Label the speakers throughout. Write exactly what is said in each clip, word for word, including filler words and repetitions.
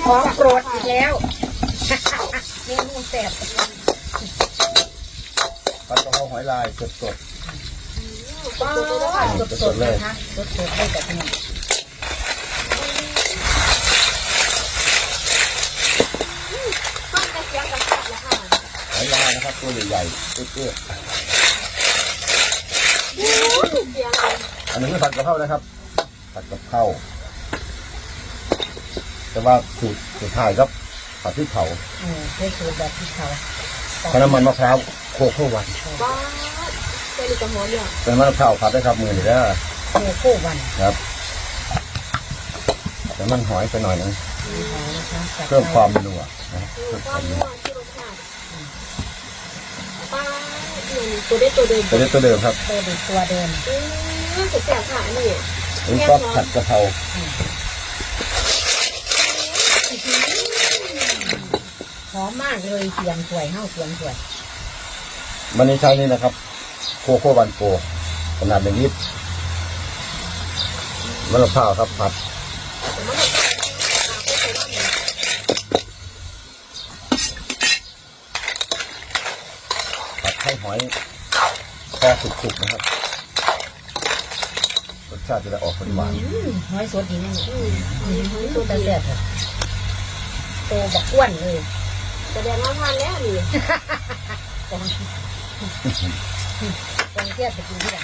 Speaker 1: ของโปรดอีกแล้วเมนูแซ่บ
Speaker 2: ผัดกะเพราหอยลายสดสด
Speaker 1: สดสดสดเลยนะสดสดได้แต่ขนม
Speaker 2: หอยลายนะครับตัวใหญ่ๆเอื้อๆอันนี้คือผัดกะเพรานะครับผัดกะเพราแต่ว่าสูตรสุดท้ายครับผัดพริกเผา
Speaker 1: อืมเป็นสูตรแบบพริกเผา
Speaker 2: ใช้น้ำมันมะพร้าวโคโค่วัน
Speaker 3: บ้าเป็นกระหม่อมเนี่ย
Speaker 2: เป็นมะพร้าวผัดได้ครับมือนี่ได้
Speaker 1: โคโค่วัน
Speaker 2: ครับแต่มันหอยไปหน่อยนึงเพิ่มความนัวนะเพิ่มความนัว
Speaker 3: ที่รสชาติป้าตัวเด็ดตัวเดิม
Speaker 2: ตัวเด็ดตัวเดิมครับ
Speaker 1: ตัวเด็ดตัวเดิม
Speaker 3: อืมสุดแสบค่ะนี่
Speaker 2: เป็นซอสผัดกะเพรา
Speaker 1: หอมมากเลยเสียงสวยเฮ้าเสียงสวย
Speaker 2: มันนี้ใช้นี่นะครับโคโค่วันโกขนาดหนึ่งลิตรมะพร้าวครับผัดผัดให้หอยแค่สุกๆนะครับรสชาติจะได้ออกหวาน
Speaker 1: หอยสดดีนี่หอยสดแต่แซ่บโตบักอ้วนเลย
Speaker 3: แสดงว่าทานแล้วนี่
Speaker 1: กองกองเทียบไปกินที่ไหน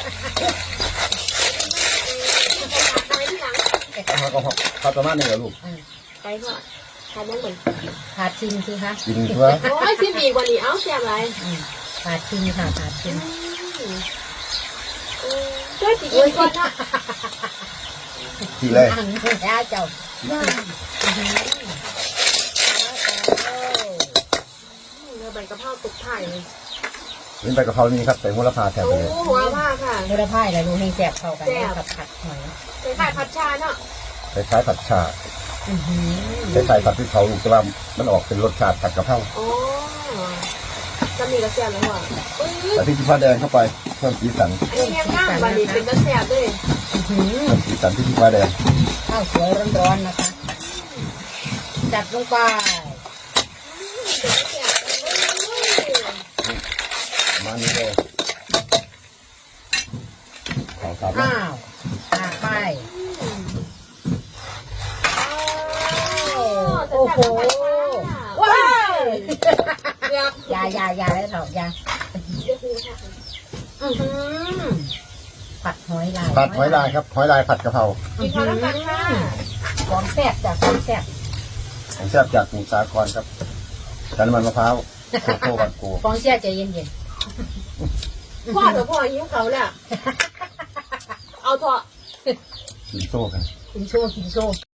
Speaker 3: ไปที่หลัง
Speaker 2: เขาก็เขาประมาณนี้เหรอลูก
Speaker 3: ไปเถอะทานน้องเหมือน
Speaker 1: ขาดชิมสิคะ
Speaker 2: กินเพื่อ
Speaker 3: โอ้ยชิมอีกวันนี้เอ้าเสียอะไร
Speaker 1: ขาดชิมค่ะขาดชิม
Speaker 3: ช่วยสิกินก่อนนะ
Speaker 2: ทีเลย
Speaker 1: แล้วเจ้า
Speaker 3: ใบกะเพราตุกไผ่
Speaker 2: เป็นใบกะเพรานี่ครับใส่หัวละพาแทนไปเลย
Speaker 3: โอ้หัวผ้าค่ะ
Speaker 1: หัวละพาอะไรดูให้แซ่บเข้ากันกับผัดหอย
Speaker 3: ใส่ไข่ผัดชาเนาะ
Speaker 2: คล้ายๆผัดชาคล้ายๆผัดพริกเผาลูกแต่ว่ามันออกเป็นรสชาติผัดกะเพรา
Speaker 3: โอ้จะมีกระเทียมไหมวะ
Speaker 2: แต่พริกขี้ฟ้าแดงเข้าไปเพิ่มสีสัน
Speaker 3: เทียมหน้าบาลีเป็นกระเทียมด้วย
Speaker 2: เพิ่มสีสันพริกขี้ฟ้าแดง
Speaker 1: ข้าวสวยร้อนๆนะคะจัดลงไป
Speaker 2: มานี่เลยข้าวสาร
Speaker 1: อ้าวตาไปโอ้โหว้าวอย่าอย่าอย่าเลยเถอะอย่าผัดหอยลาย
Speaker 2: ผัดหอยลายครับหอยลายผัดกะเพรา
Speaker 3: อีกครั้งละกันค่ะ
Speaker 1: ของแซ่บจากของแซ่บ
Speaker 2: ของแซ่บจากสมุทรสาครครับน้ำมันมะพร้าวโคโค่วันโก
Speaker 1: ของแซ่บใจเย็น
Speaker 3: ๆพ่อเดี๋ยวพ่อยิ้มเขาเนี่ยเอาเถอะ
Speaker 2: กินโซ่กัน
Speaker 1: กินโชว์กินโชว์